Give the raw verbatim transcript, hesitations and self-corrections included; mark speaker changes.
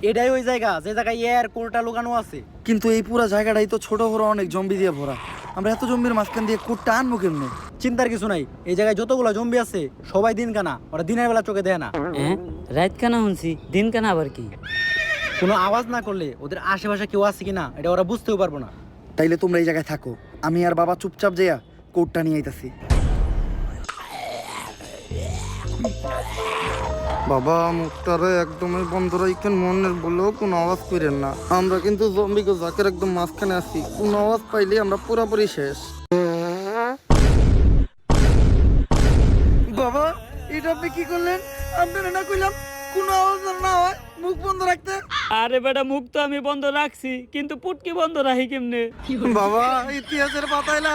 Speaker 1: এটাই ওই জায়গা যে জায়গায় এর কোরটা লুকানো আছে।
Speaker 2: কিন্তু এই পুরো জায়গাটাই তো ছোট বড় অনেক জম্বি দিয়ে ভরা, আমরা এত জম্বির মাঝখান দিয়ে কোটটা আনবো কেমনে?
Speaker 1: চিন্তার কিছু নাই, এই জায়গায় যতগুলো জম্বি আছে সবাই দিন কানা, ওরা দিনের বেলা চোখে দেয় না।
Speaker 3: হ্যাঁ, রাত কানা শুনছি, দিন কানা আবার কি?
Speaker 1: কোনো আওয়াজ না করলে ওদের আশেপাশে কেউ আছে কিনা এটা ওরা বুঝতেও পারবো না।
Speaker 2: তাইলে তোমরা এই জায়গায় থাকো, আমি আর বাবা চুপচাপ যাইয়া কোটটা নিয়ে আইতাছি।
Speaker 4: বাবা মুখটারে একদমই বন্ধ রাখেন, মনের বলেও কোনো আওয়াজ করেন না। আমরা কিন্তু জম্বিকে জাকের একদম মাঝখানে আছি, কোনো আওয়াজ পাইলে আমরা পুরোপুরি শেষ।
Speaker 2: বাবা এটা আপনি কি করলেন? আপনারা না কইলাম কোনো আওয়াজ যেন না হয়, মুখ বন্ধ রাখতে।
Speaker 3: আরে বেটা, মুখ তো আমি বন্ধ রাখছি, কিন্তু পুটকি বন্ধ রাখি কেমনে?
Speaker 4: বাবা ইতিহাসের পাতায়